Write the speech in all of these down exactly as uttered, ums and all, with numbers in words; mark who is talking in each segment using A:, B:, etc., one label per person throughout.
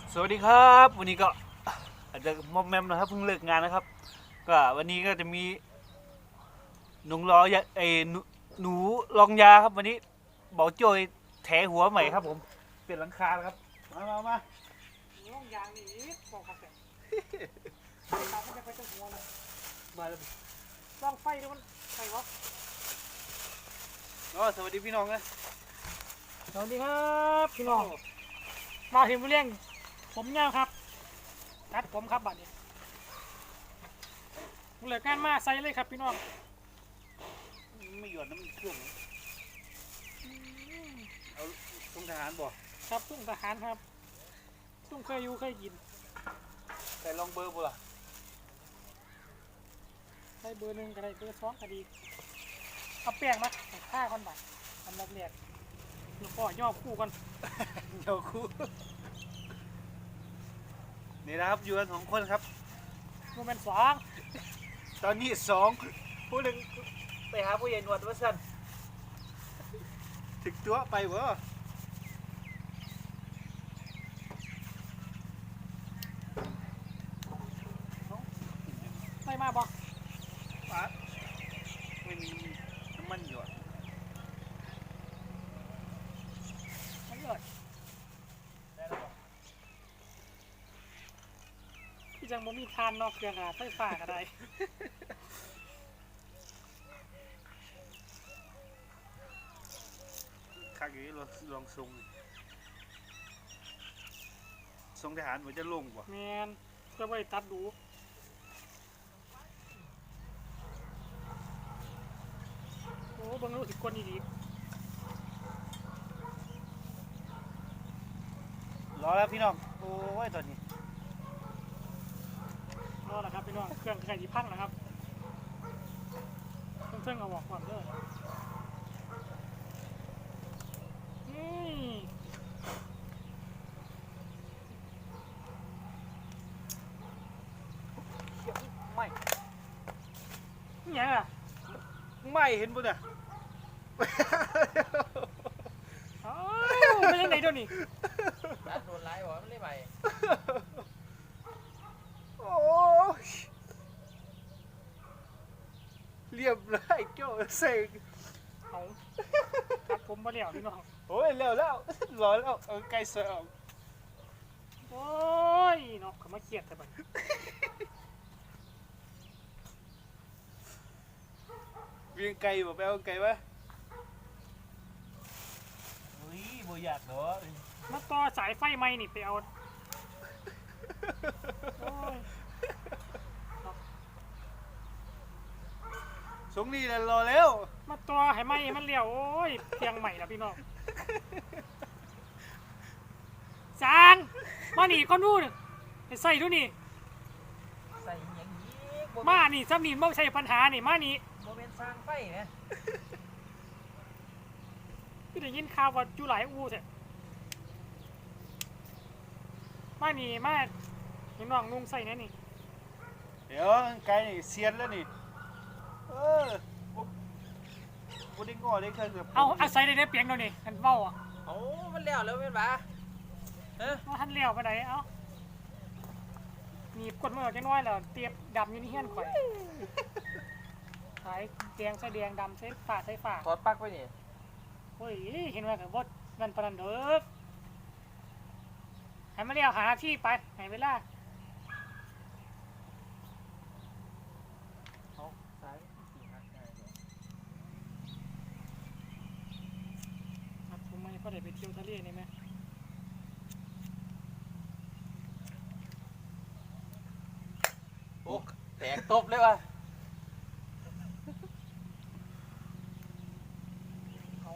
A: สวัสดีครับวันนี้ก็อาจจะมอมแมมนะครับเพิ่งเลิกงานนะครับก็วันนี้ก็จะมีหนูรอยาไอ้หนูหนูลองยาครับวันนี้เบาโจยแถหัวใหม่ครับผมเปลี่ยนหลังคาแล้วครับมามามา
B: ล่องยางนี่บอกครับแต่ตามไม่ได้ไปตั้งหัวเลย
A: มาแล้ว
B: ล่องไฟด้วยมันไฟวะ
A: อ๋อสวัสดีพี่น้องนะ
B: สวัสดีครับพี่น้องมาเห็นเรื่องผมยาวครับตัดผมครับบัดนี้เหลืองานมาใส่เลยครับพี่น้อง
A: ไม่หยอดน้ำมันเครื่องเหรอเอาตรงทหารบ่
B: ครับตุ้งทหารครับตุ้งเคยอยู่เคยกิน
A: ใส่ลองเบอร์บ่ล่ะ
B: ใส่เบอร์หนึ่งก็ได้เบอร์สองก็ดีเอาแป้งมาท่าก่อนบัดอันดับแรกแล้วก็ย่อคู่กัน
A: เดี๋ยวครูนี่นะครับอยู่กันสองคนครับ
B: โมเมนต์สอง
A: ตอนนี้สองผู้หนึ่งไปหาผู้ใหญ่หนวดว่าสั้นถึกตัวไปวะ
B: ใส่มาบ่
A: ปะไม่มีน้ำมันหยด
B: ไม่เกิด
A: ได้แล้ว
B: พี่จังบ่มีทานนอกเครื่องอะไฟฟ้าก็ได้
A: ข้างนี้ลองลองทรงทรงทหารมันจะลงกว่า
B: แมนเพื่อไปตัดดูโอ้เบังรู้สึกคนดี
A: รอแล้วพี่น้องโอ้ยตอนนี้
B: รอแล้วครับพี่น้องเครื่องไก่ที่พังแล้วครับเครื่องเครื่องเอาบอกก่อนเด้อนี่
A: ไม่
B: นี่ยังอ่ะ
A: ไม่เห็นปุ่นอ่ะ
B: อ้าวไม่ยังไงเดี๋ยวนี้
C: ร้านโดนไล่บอกว่ามันเลยไป
A: โอ้ยเรียบร้อยโจ้เสก
B: เอาตัดผมมาแล้วพี่น้อง
A: โอ้ยเร็วแล้วรอแล้วเอาไก่เสิร์ฟ
B: โอ้ยเนาะเขามาเครียดแต่บัด
A: วิ่งไก่บ่ไปเอาไก่วะเฮ้ยบ่อยากเนาะ
B: มาต่อสายไฟไหมนี่ไปเอาโอ้ย
A: สงนี่แหละรอแล้ว
B: มาต่อให้ไหมมันเลี้ยวโอ้ยเพียงใหม่แล้วพี่น้องจางมาหนีก้อนนู่นไปใส่ดูนี่
C: ใส่อยังนี้โม
B: มานี่ซ้ำนี่ไม่ใช่ปัญหานี่มานี่
C: โมเมนต์สร้างไฟนะ
B: พี่ได้ยินข่าวว่าอยู่หลายอูเถอะมานี่มาเห็นน้องนุ่งใส่แน่นี่
A: เดี๋ยวไก่นี่เซียนแล้วนี่เออบ่บ่ได้งอได้เคยเกือบ
B: เอาอาศัยได้ได้เปียงเดี๋ยวนี้กันเบ้าอ่ะ
C: โอ้มันแล้วแล้วเป็นปะเฮ้ย
B: ว่าท่านเลี้ยวไปไหนเอ้ามีกดมือจังน้อยแล้วเตียบดำอยู่นี่เฮี้ยนข่อยสายแดงใส่แดงดำใส่ฝาใส่ฝา
C: ถอดปลั๊กไปนี่
B: เฮ้ยเห็นว่ากับว่ามันปานนันเด้อให้มาเลี้ยวหาที่ไปไหนเวลา
C: เอาสายสี่หักได้เลย
B: ครับผมไม่พอได้ไปเที่ยวทะเลนี่ไหม
C: โอ้แตกตบเลยว่ะ
B: เอา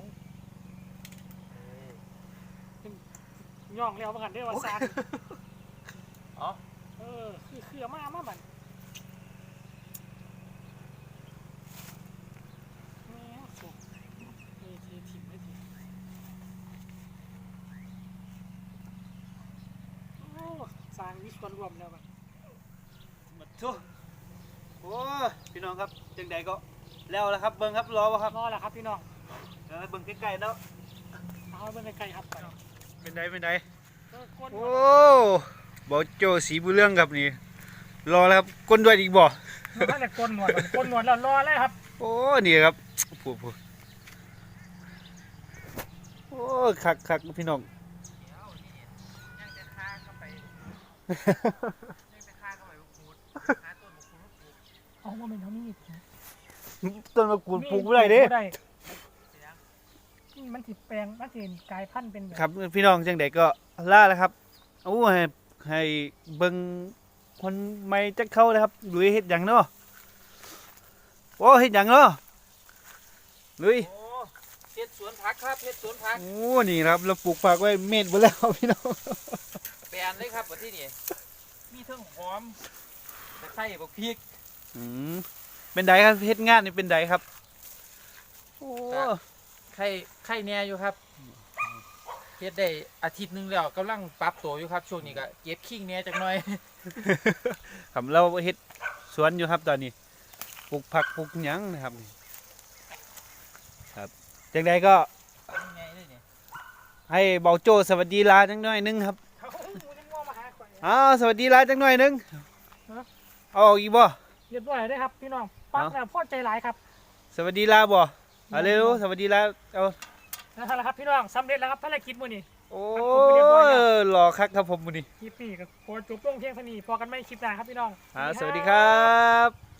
B: ย่องเลี้ยวมากันเด้อว่าซาน
C: อ๋อ
B: เออคือคือเอามาเอามาบันแม่สุกเอทีถิ่มไม่ถิ่มโอ้สร้างมีส่วนรวมแล้วบัด
A: มาทุโอ้ยพี่น้องครับจังใดก็แล้วแล้วครับเบิ่งครับรอวะครับ
B: รอแหละครับพี่น้อง
A: เออเบิ่งใกล้ๆแล้ว
B: เอาไปเป็นไกลๆครับไป
A: เป็นไดเป็นได
B: เออก้น
A: โอ้บอโจสีบุญเรื่องครับนี่รอแล้วครับก้นด้วยอีกบ่
B: นั่นแหละก้นหนวดก่อนก้นหนวดแล้วรอเลยครับ
A: โอ้นี่ครับพูดพูดโอ้คักคักพี่น้อง
C: ยังจะฆ่าเข้าไปยังจะฆ่าเข้าไปขูดหาต้นมะขูดปลูก
B: เอาว่าเป็นเท่านี้
A: ต้นมะกรูดปลูกไม่ได้เด้
B: บ่นี่มันสิแปลงมันสิกลายพันธุ์เป็นแบบ
A: ครับพี่น้องจังใดก็ล่าแล้วครับโอ้ให้ให้เบิ่งคนไม่จักเข้าเลยครับลุยเฮ็ดหยังเนาะโอ้เฮ็ดหยังเนาะลุย
C: โอ้เฮ็ดสวนผักครับเฮ็ดสวนผัก
A: โอ้นี่ครับเราปลูกผักไว้เม็ดหมดแล้วพี่น้อง
C: แปลนเลยครับวันที่นี่มีเทั้งหอมตะไคร้บักพริก
A: อืมเป็นไดครับเฮ็ดงานนี่เป็นไดครับโอ้
C: ไข่ไข่แหน่อยู่ครับเฮ็ดได้อาทิตย์หนึงแล้วกำลังปรับตัวอยู่ครับช่วงนี้ก็เก็บขิงแหน่จักหน่อย
A: ครับเราเฮ็ดสวนอยู่ครับตอนนี้ปลูกผักปลูกหยังนะครับครับจังใดก็
C: ไงเลยเนี่ย
A: ให้เบาโจสวัสดีลาจังหน่อยหนึงครับ
B: เขาหมูยังง่วงมาหาข่อย
A: อ้าวสวัสดีลาจังหน่อยหนึงเอาออกอีกบ่
B: เรียบร้อยได้ครับพี่น้องปักแล้วพอใจหลายครับ
A: สวัสดีลาบ่เอาเร็วสวัสดีลาเอา
B: นั่นแหละครับพี่น้องสำเร็จแล้วครับภารกิจมื้อนี้
A: โอ้
B: ผมไปเรียบร้อยแล้ว
A: หล่อคักครับผมมื้อนี้
B: คลิปนี้ก็ขอจบลงเพียงเท่านี้พอกันไม่คลิปหน้าครับพี่น้อง
A: อ่าสวัสดีครับ